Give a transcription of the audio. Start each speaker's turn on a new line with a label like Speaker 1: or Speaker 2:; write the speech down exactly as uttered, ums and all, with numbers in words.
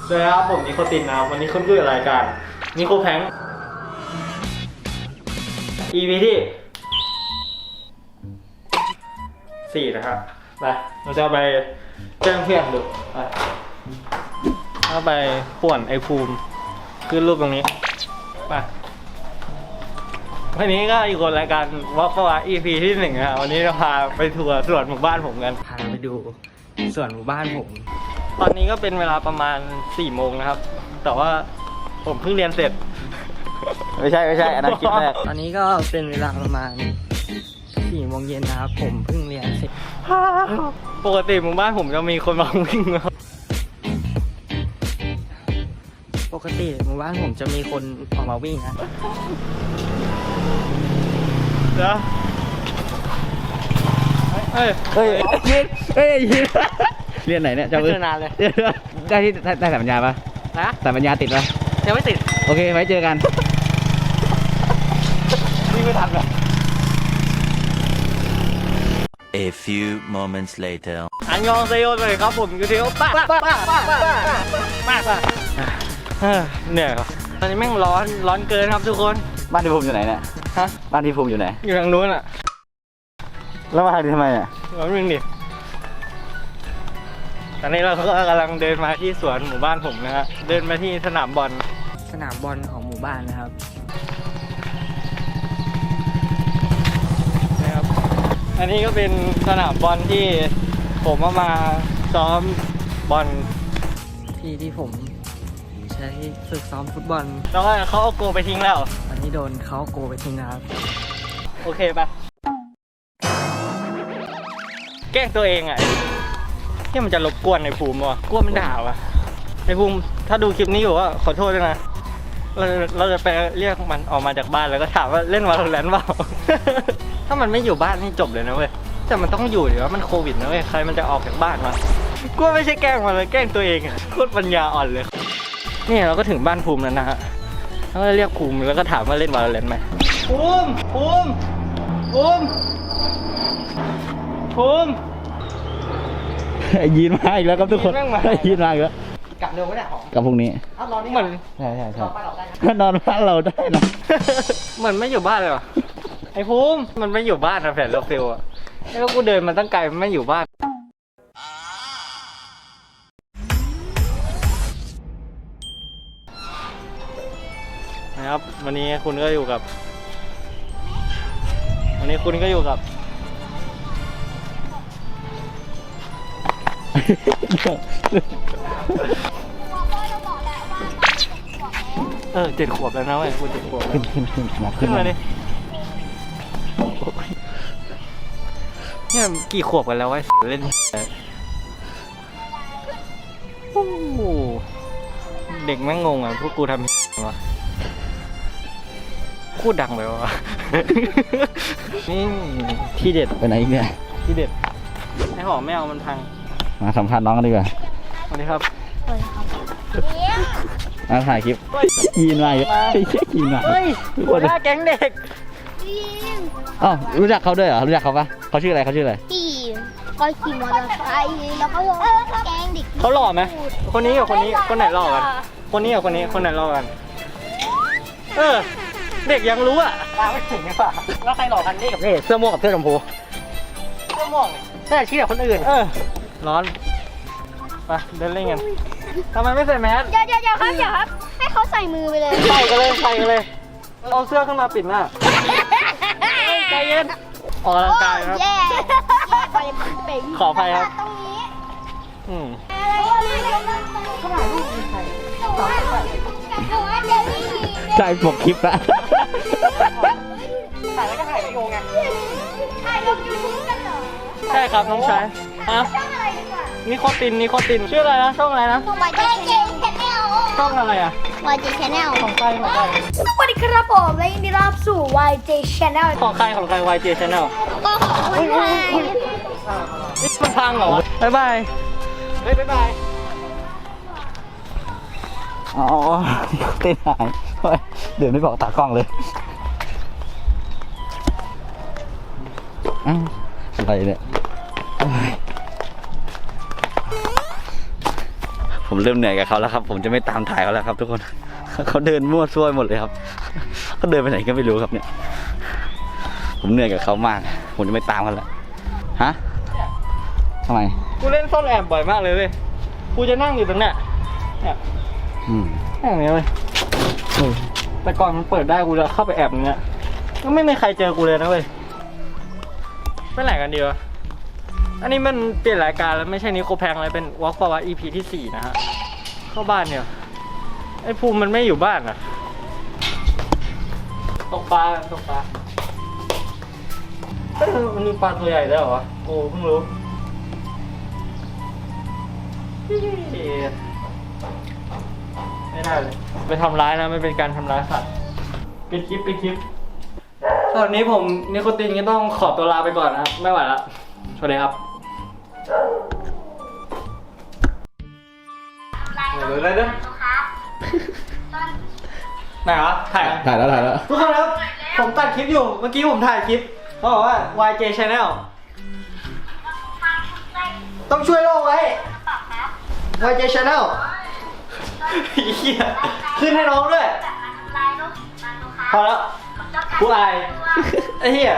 Speaker 1: สวัสดีครับผมนิโคตินนะครับวันนี้คุณคือรายการนิโคแพง อี พี ที่สี่นะครับไปเราจะไปแจ้งเพื่อนดูไปเอาไปป่วนไอภูมิขึ้นรูปตรงนี้ไปวันนี้ก็อยู่กับรายการวอล์กวา อี พี ที่หนึ่งนะครับวันนี้เราพาไปทัวร์สวนหมู่บ้านผมกันพาไปดูสวนหมู่บ้านผมตอนนี้ก็เป็นเวลาประมาณสี่โมงนะครับแต่ว่าผมเพิ่งเรียนเสร็จไม่ใช่ไม่ใช่อันนั้นคลิปแรกตอนนี้ก็เป็นเวลาประมาณสี่โมงเย็นนะครับผมเพิ่งเรียนเสร็จปกติหมู่บ้านผมจะมีคนมาวิ่งครับปกติหมู่บ้านผมจะมีคนออกมาวิ่งนะเดี๋ยวเฮ้ยเฮ้ยยืนเฮ้ยยืนเรียนไหนเนี่ยจะไม่นานเลยได้ที่ได้สายปัญญาปะนะสายปัญญาติดปะยังไม่ติดโอเคไว้เจอกันนี่ไม่ทันหรอ
Speaker 2: A few moments later
Speaker 1: อันยองเซโยเลยครับผมยูเทียวป้าป้าป้าป้าป้าป้าป้าเหนื่อยครับตอนนี้แม่งร้อนร้อนเกินครับทุกคน
Speaker 3: บ้านที่ภูมิอยู่ไหนเนี่ยฮะบ้านที่ภูมิอยู่ไหน
Speaker 1: อยู่ทางนู้นอ่ะ
Speaker 3: แล้วมาทางนี้ทำไมเนี่ย
Speaker 1: ร้อนมึงดิตอนนี้เราก็กำลังเดินมาที่สวนหมู่บ้านผมนะฮะเดินมาที่สนามบอลสนามบอลของหมู่บ้านนะครับนะครับอันนี้ก็เป็นสนามบอลที่ผมเอามาซ้อมบอลที่ที่ผมใช้ฝึกซ้อมฟุตบอลแล้วก็เขาเอาโกไปทิ้งแล้วอันนี้โดนเขาโกไปทิ้งนะครับโอเคปะแกล้งตัวเองอ่ะที่มันจะรบกวนในภูมิวะกลัวมันด่าวะในภูมิถ้าดูคลิปนี้อยู่ว่าขอโทษด้วยนะเราเราจะไปเรียกมันออกมาจากบ้านแล้วก็ถามว่าเล่นวาโลแรนต์เปล่า ถ้ามันไม่อยู่บ้านนี่จบเลยนะเว้ยแต่มันต้องอยู่เดี๋ยวมันโควิดนะเว้ยใครมันจะออกจากบ้านมากลัวไม่ใช่แกล้งมันเลยแกล้งตัวเองอะโคตรปัญญาอ่อนเลยนี่เราก็ถึงบ้านภูมิแล้วนะฮะแล้วก็เรียกภูมิแล้วก็ถามว่าเล่นวาโลแรนต์ไหมภูมิภูมิภูมิภูมิ
Speaker 3: ยีนมาอีกแล้วครับทุกคนยีนมาอีกแล้ว
Speaker 1: กลับเร็วไม่ได้หรอก
Speaker 3: ลับพรุ่งนี้
Speaker 1: นอนนี่เหมือน
Speaker 3: ใช่ใช่ใช่ก็นอนบ้านเราได้นะ
Speaker 1: เหมือนไม่อยู่บ้านเลยวะไอ้ภูมิมันไม่อยู่บ้านนะแผนเราฟิลอะแล้วกูเดินมาตั้งไกลมันไม่อยู่บ้านนะครับวันนี้คุณก็อยู่กับวันนี้คุณก็อยู่กับเออเจ็ดขวบแล้วนะเว้ยคุณเจ็ดขวบ
Speaker 3: ขึ้นขึ้นขึ้นมา
Speaker 1: ขึ้นมาดิเนี่ยกี่ขวบกันแล้ววะเล่นโอ้เด็กแม่งงงอ่ะพวกกูทำวะพูดดังไปวะนี่ที่เด็ด
Speaker 3: ไปไหนอีกเนี่ย
Speaker 1: ที่เด็ดไอ้หอมไม่เอามันพัง
Speaker 3: มาสัมภาษณ์น้องกันดีกว่า
Speaker 1: สวัสดีครับ
Speaker 3: มาถ่ายคลิปยีนมาเยอะยีนมา
Speaker 1: เฮ้ยหัวหน้าแก๊งเด็ก
Speaker 3: อ๋อรู้จักเขาด้วยเหรอรู้จักเขาปะเขาชื่ออะไรเขาชื่ออะไร
Speaker 4: ขี่ก็ขี่มอเตอร์ไซค์แล้วก็แก๊งเด็ก
Speaker 1: เขาหล่อไหมคนนี้กับคนนี้คนไหนหล่อกันคนนี้กับคนนี้คนไหนหล่อกันเออเด็กยังรู้อ่ะตาไม่ถึงไงป่ะแล้วใครหล่อกันนี่กับนี่เสื้อม่วงกับเสื้อชมพูเสื้อม่วงแต่ชี้กับคนอื่นเออร้อนไปเดินเล่นกันทำไมไม่ใส่แมส
Speaker 4: เดี๋ยวเดี๋ยวครับเดี๋ยวครับให้เขาใส่มือไปเลย
Speaker 1: ใส่กันเลยใส่กันเลยเอาเสื้อขึ้นมาปิดหน้าใจเย็นออกกำลังกายครับขออภัยครับ
Speaker 4: ตรงนี้
Speaker 1: อืม
Speaker 3: ใช่ปกคลิปละ
Speaker 1: ถ่ายแล้วก็ถ่ายวิดีโอไง
Speaker 4: ถ่ายลงยูทูบกันเหรอ
Speaker 1: ใช่ครับน้องชายฮะนิโคตินนิโคตินชื่ออะไรนะช่องอะไรนะ
Speaker 4: วายเจแชนแนล
Speaker 1: ช่องอะไรอ่ะ
Speaker 4: วายเจแชนแนล
Speaker 1: ของใครของใคร
Speaker 4: สวัสดีครับผมและยินดีต้อนรับสู่ วาย เจ Channel
Speaker 1: ของใครของใคร วาย เจ Channel
Speaker 4: ก็ของคนไทย
Speaker 1: นี่มันพังเหรอบ๊ายบายเฮ้ยบ๊ายบาย
Speaker 3: อ๋อเต้นหายเดี๋ยวไม่บอกตากล้องเลยอะไรเนี่ยผมเริ่มเหนื่อยกับเขาแล้วครับ ผมจะไม่ตามถ่ายเขาแล้วครับ ทุกคน เขาเดินมั่วซั่วหมดเลยครับ เขาเดินไปไหนก็ไม่รู้ครับเนี่ย ผมเหนื่อยกับเขามาก ผมจะไม่ตามเขาแล้วฮะทำไม
Speaker 1: กูเล่นซ่อนแอบบ่อยมากเลยเว้ยกูจะนั่งอยู่ตรงเนี้ยเนี่ย
Speaker 3: อืม
Speaker 1: นั่งอย่างเงี้ยเว้ยเออแต่ก่อนมันเปิดได้กูจะเข้าไปแอบอย่างเงี้ยก็ไม่มีใครเจอกูเลยนะเว้ยไปไหนกันดีวะอันนี้มันเปลี่ยนรายการแล้วไม่ใช่นิโคแพงอะไรเป็นวอล์กประวัติ อี พี ที่สี่นะฮะเข้าบ้านเนี่ยไอ้ภูมิมันไม่อยู่บ้านอ่ะตกปลาตกปลาเอ้ยมันมีปลาตัวใหญ่ด้วยเหรอวะโอ้เพิ่งรู้ไม่ได้เลยไปทำร้ายนะไม่เป็นการทำร้ายสัตว์ปิดคลิปปิดคลิปตอนนี้ผมนิโคตินก็ต้องขอตัวลาไปก่อนนะครับไม่ไหวละสวัสดีครับเดี๋ยวเลยนะไหนวะถ่าย
Speaker 3: ถ่ายแล้วถ่ายแล้ว
Speaker 1: ทุกคนครับผมตัดคลิปอยู่เมื่อกี้ผมถ่ายคลิปเขาบอกว่า วาย เจ Channel ต้องช่วยโลกไว้ วาย เจ Channel เหี้ยขึ้นให้น้องด้วยพอแล้วกูอายไอ้เหี้ย